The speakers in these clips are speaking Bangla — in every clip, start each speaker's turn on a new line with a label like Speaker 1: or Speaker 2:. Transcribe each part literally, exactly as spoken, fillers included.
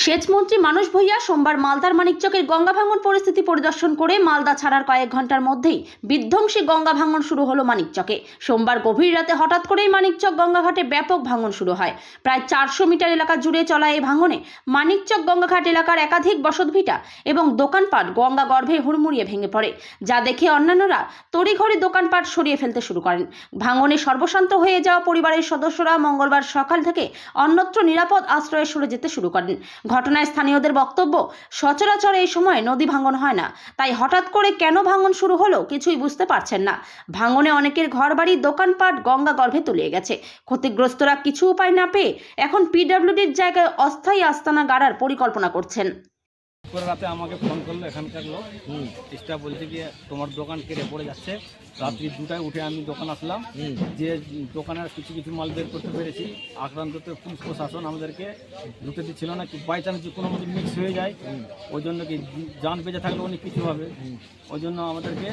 Speaker 1: সেচমন্ত্রী মানস ভূঁইয়া সোমবার মালদার মানিকচকের গঙ্গা ভাঙন পরিস্থিতি পরিদর্শন করে মালদা ছাড়ার কয়েক ঘন্টার মধ্যেই বিধ্বংসী গঙ্গা ভাঙন শুরু হলো মানিকচকে। সোমবার গভীর রাতে হঠাৎ করেই মানিকচক গঙ্গাঘাটে ব্যাপক ভাঙন শুরু হয়। প্রায় চারশো মিটার এলাকা জুড়ে চলা এই ভাঙনে মানিকচক গঙ্গাঘাট এলাকার একাধিক বসতভিটা এবং দোকানপাট গঙ্গা গর্ভে হুড়মুড়িয়ে ভেঙে পড়ে, যা দেখে অন্যান্যরা তড়িঘড়ি দোকানপাট সরিয়ে ফেলতে শুরু করেন। ভাঙনে সর্বশান্ত হয়ে যাওয়া পরিবারের সদস্যরা মঙ্গলবার সকাল থেকে অন্যত্র নিরাপদ আশ্রয়ে সরে যেতে শুরু করেন। ঘটনায় স্থানীয়দের বক্তব্য, সচরাচর এই সময় নদী ভাঙন হয় না, তাই হঠাৎ করে কেন ভাঙন শুরু হলো কিছুই বুঝতে পারছেন না। ভাঙনে অনেকের ঘরবাড়ি দোকানপাট গঙ্গা গর্ভে তলিয়ে গেছে। ক্ষতিগ্রস্তরা কিছু উপায় না পেয়ে এখন পিডব্লিউডির জায়গায় অস্থায়ী আস্তানা গাড়ার পরিকল্পনা করছেন।
Speaker 2: রাতে আমাকে ফোন করলো এখানকার লোক, চেষ্টা বলছে যে তোমার দোকান কেটে পড়ে যাচ্ছে। রাত্রি দুটায় উঠে আমি দোকান আসলাম, যে দোকানের কিছু কিছু মাল বের করতে পেরেছি। আক্রান্ত পুলিশ প্রশাসন আমাদেরকে ঢুকতে দিচ্ছিল না, কি বাই চান্স যে কোনো মধ্যে মিক্স হয়ে যায়, ওই জন্য কি যান বেঁচে থাকলে অনেক কিছু হবে, ওই জন্য আমাদেরকে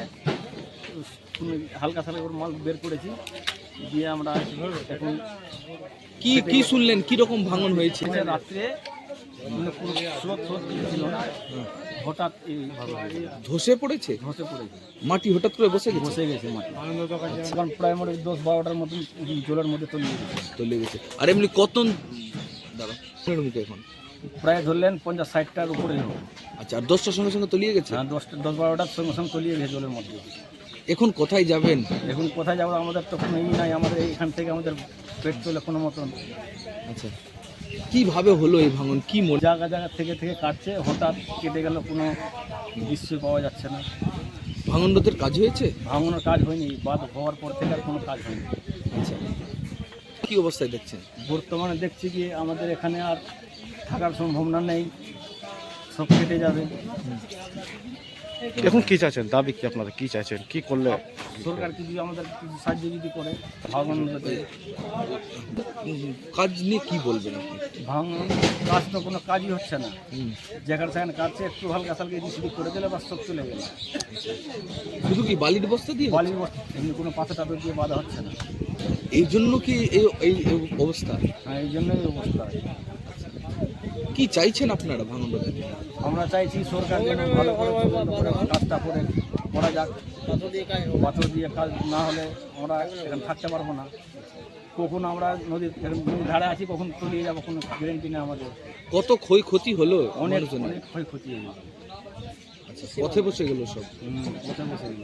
Speaker 2: হালকা সালকা করে মাল বের করেছি। দিয়ে আমরা এখন
Speaker 3: কি কি শুনলেন, কিরকম ভাঙন হয়েছে?
Speaker 2: রাত্রে মানে কোনো স্রোত স্রোত ছিল না, হঠাৎ এইভাবে
Speaker 3: ধসে পড়েছে।
Speaker 2: ধসে পড়েছে
Speaker 3: মাটি হঠাৎ করে বসে গেছে
Speaker 2: বসে গেছে মাটি। কারণ প্রায় মোটে দশ বারোটার মতন জলের মধ্যে তলিয়ে গেছে
Speaker 3: তলিয়ে গেছে। আর এমনি কত দাঁড়া মুখে এখন
Speaker 2: প্রায় ধরলেন পঞ্চাশ ষাটটার উপরে হোক।
Speaker 3: আচ্ছা, আর দশটার সঙ্গে সঙ্গে তলিয়ে গেছে?
Speaker 2: হ্যাঁ, দশটা দশ বারোটার সঙ্গে সঙ্গে তলিয়ে গেছে জলের মধ্যে।
Speaker 3: এখন কোথায় যাবেন?
Speaker 2: এখন কোথায় যাবো, আমাদের তো কোনো ই নাই, আমাদের এইখান থেকে আমাদের পেট চলে কোনো মতন।
Speaker 3: আচ্ছা, কিভাবে হলো এই ভাঙন? কি মনে
Speaker 2: জায়গা জায়গা থেকে থেকে কাটছে, হঠাৎ কেটে গেল, কোনো দৃশ্য পাওয়া যাচ্ছে না।
Speaker 3: ভাঙন রোধের কাজ হয়েছে?
Speaker 2: ভাঙনের কাজ হয়নি, বাদ হওয়ার পর থেকে আর কোনো কাজ হয়নি।
Speaker 3: আচ্ছা, কি অবস্থায় দেখছেন?
Speaker 2: বর্তমানে দেখছি কি আমাদের এখানে আর থাকার সম্ভাবনা নেই, সব কেটে যাবে।
Speaker 4: এখন কি চাইছেন, দাবি কি আপনারা কি চাইছেন, কি করলে?
Speaker 2: সরকার কিছু আমাদের কিছু সাহায্য যদি করে। ভাঙন
Speaker 3: কাজ নিয়ে কি বলবেন আপনি?
Speaker 2: ভাঙন কাজ তো কোনো কাজই হচ্ছে না, যেখানে সেখানে কাজছে, একটু হালকা সালকে রিসিভ করে দিলে বা সব চলে গেল।
Speaker 3: শুধু কি বালির বস্তা দিয়ে?
Speaker 2: বালির বস্তা, এমনি কোনো পাথর টাথর দিয়ে বাঁধা হচ্ছে না।
Speaker 3: এই জন্য কি এই এই অবস্থা?
Speaker 2: হ্যাঁ, এই জন্যই অবস্থা।
Speaker 3: কি চাইছেন আপনারা ভাঙন রোধে?
Speaker 2: আমরা চাইছি সরকার যেন ভালো করে তদন্ত করে কাজটা করে করা যাক। পাথর দিয়ে কাজ না হলে আমরা এখানে থাকতে পারবো না। কখন আমরা নদীর নদীর ধারে আছি, কখন তলিয়ে যাবো কোনো গ্যারেন্টি নেই আমাদের।
Speaker 3: কত ক্ষয়ক্ষতি হলো?
Speaker 2: অনেক
Speaker 3: মানুষজনের?
Speaker 2: অনেক ক্ষয়ক্ষতি হয়ে গেছে।
Speaker 3: আচ্ছা, পথে বসে গেল সব।
Speaker 2: হুম, কোথায় বসে গেল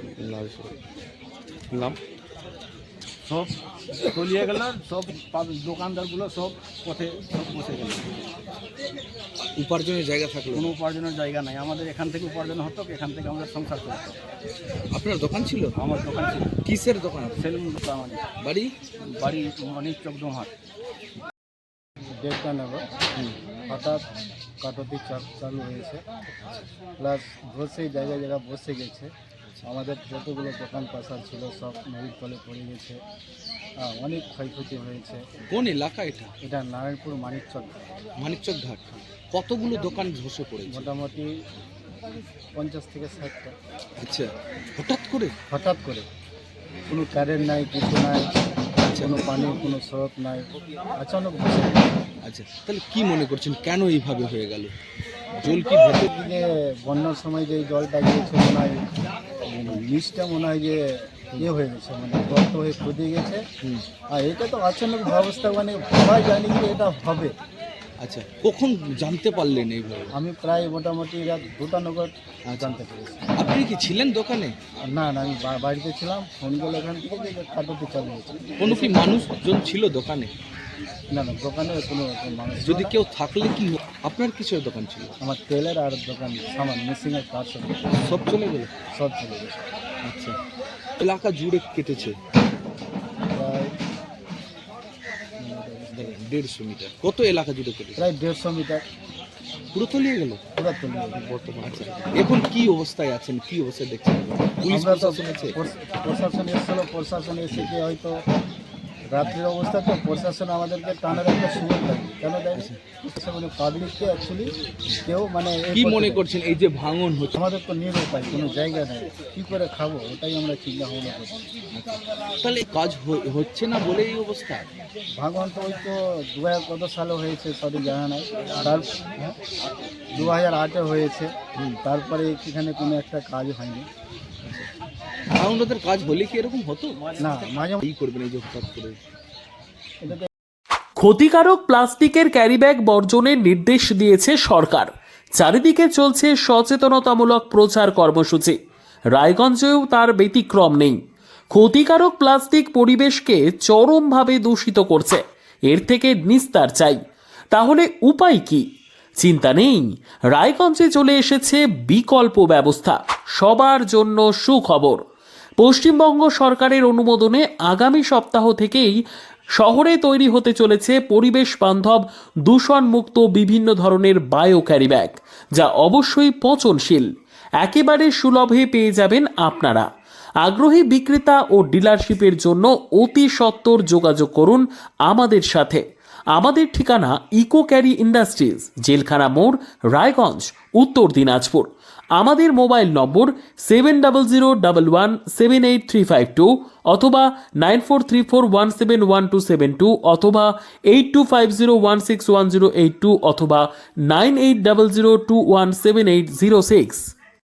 Speaker 4: নাম
Speaker 2: সব তলিয়ে গেল, সব দোকানদারগুলো সব পথে সব বসে গেল।
Speaker 3: উপার্জনের জায়গা থাকলো?
Speaker 2: কোনো উপার্জনের জায়গা নাই। আমাদের এখান থেকে উপার্জন হতো, এখান থেকে আমাদের সংসার চলতো।
Speaker 3: আপনার দোকান ছিল?
Speaker 2: আমার দোকান ছিল।
Speaker 3: কিসের দোকান?
Speaker 2: সেলুন দোকান আমাদের।
Speaker 3: বাড়ি?
Speaker 2: বাড়ি মানিকচক দোহাট। দেড়টা নেবো, হঠাৎ কাটতি চাপ চালু হয়েছে, প্লাস বসে জায়গায় জায়গা বসে গেছে। আমাদের যতগুলো দোকান পাশার ছিল সব নদীর তলে পড়ে গেছে। হ্যাঁ, অনেক ক্ষয়ক্ষতি হয়েছে।
Speaker 3: কোন এলাকা এটা?
Speaker 2: এটা নারায়ণপুর মানিকচক।
Speaker 3: মানিকচক ঘাট। কতগুলো দোকান ধসে পড়েছে?
Speaker 2: মোটামুটি পঞ্চাশ থেকে ষাটটা।
Speaker 3: আচ্ছা, হঠাৎ করে?
Speaker 2: হঠাৎ করে, কোনো কারেন্ট নাই, কিছু নাই, কোনো পানি, কোনো স্রোত নাই, আচানক বসে গেছে।
Speaker 3: আচ্ছা, তাহলে কি মনে করছেন কেন এইভাবে হয়ে গেল? জল কি ভেতর
Speaker 2: দিকে বন্যার সময় যে জলটা গিয়েছে, মনে হয় নিচটা মনে হয় যে ইয়ে হয়ে গেছে, মানে গর্ত হয়ে খুঁজে গেছে। আর এটা তো আচানক ব্যবস্থা, মানে সবাই জানি যে এটা হবে।
Speaker 3: আচ্ছা, কখন জানতে পারলেন এইভাবে?
Speaker 2: আমি প্রায় মোটামুটি রাত দুটা নগর জানতে পেরেছি।
Speaker 3: আপনি কি ছিলেন দোকানে?
Speaker 2: না না, আমি বা- বাড়িতে ছিলাম। ফোন করলো এখান থেকে যে কাটতে চালু হয়েছে।
Speaker 3: কোনো কি মানুষজন ছিল দোকানে?
Speaker 2: না না, দোকানে কোনো মানুষ ছিল
Speaker 3: যদি
Speaker 2: না।
Speaker 3: কেউ থাকলে কি হতো? আপনার কিসের দোকান ছিল?
Speaker 2: আমার তেলের আর দোকান সামান মেশিনের কাজ সব
Speaker 3: সব চলে গেল?
Speaker 2: সব চলে গেছে।
Speaker 3: আচ্ছা, এলাকা জুড়ে কেটেছে
Speaker 2: প্রায়
Speaker 3: দেড়শো মিটার। কত এলাকা জুড়ে কেটেছে?
Speaker 2: প্রায় দেড়শো মিটার
Speaker 3: পুরো তলিয়ে গেল
Speaker 2: পুরো তুলে
Speaker 3: বর্তমানে। আচ্ছা, এখন কি অবস্থায় আছেন, কি অবস্থায় দেখছেন? পুলিশ
Speaker 2: আমরা তো
Speaker 3: প্রশাসন আছে?
Speaker 2: প্রশাসন এসেছিল, প্রশাসন এসে কি হয়তো রাত্রির অবস্থা, তো প্রশাসন আমাদেরকে টানার একটা সুযোগ দেয়। কেন দেয়?
Speaker 5: মানে পাবলিককে অ্যাকচুয়ালি কেউ মানে এ
Speaker 3: কি
Speaker 5: করতে
Speaker 3: মনে
Speaker 5: দেয়।
Speaker 3: করছেন এই যে ভাঙন হচ্ছে?
Speaker 5: আমাদের তো নিরুপায়, কোনো জায়গা নেই, কী করে খাবো ওটাই আমরা চিন্তা ভাবনা করছি।
Speaker 3: তাহলে কাজ হ- হচ্ছে না বলে এই অবস্থা?
Speaker 5: ভাগবান তো ওই তো দু হাজার কত সালে হয়েছে সঠিক জানা নাই, তার দু হাজার আটে হয়েছে, তারপরে এখানে কোনো একটা কাজ হয়নি।
Speaker 3: ভাঙনদের কাজ হলে কি এরকম হতো
Speaker 5: না মাঝে
Speaker 3: কি করবেন এই যে হঠাৎ করে?
Speaker 5: এটাতে
Speaker 6: ক্ষতিকারক প্লাস্টিকের ক্যারিব্যাগ বর্জনের নির্দেশ দিয়েছে সরকার। চারিদিকে চলছে সচেতনতামূলক প্রচার কর্মসূচি। রায়গঞ্জেও তার ব্যতিক্রম নেই। ক্ষতিকারক প্লাস্টিক পরিবেশকে চরমভাবে দূষিত করছে। এর থেকে নিস্তার চাই। তাহলে উপায় কি? চিন্তা নেই, রায়গঞ্জে চলে এসেছে বিকল্প ব্যবস্থা। সবার জন্য সুখবর। পশ্চিমবঙ্গ সরকারের অনুমোদনে আগামী সপ্তাহ থেকেই শহরে তৈরি হতে চলেছে পরিবেশ বান্ধব দূষণমুক্ত বিভিন্ন ধরনের বায়ো ক্যারিব্যাগ, যা অবশ্যই পচনশীল। একেবারে সুলভে পেয়ে যাবেন আপনারা। আগ্রহী বিক্রেতা ও ডিলারশিপের জন্য অতি সত্বর যোগাযোগ করুন আমাদের সাথে। আমাদের ঠিকানা ইকো ক্যারি ইন্ডাস্ট্রিজ, জেলখানা মোড়, রায়গঞ্জ, উত্তর দিনাজপুর। আমাদের mobile number seven double zero double one seven eight three five two অথবা nine four three four one seven one two seven two অথবা eight two five zero one six one zero eight two অথবা nine eight double zero two one seven eight zero six.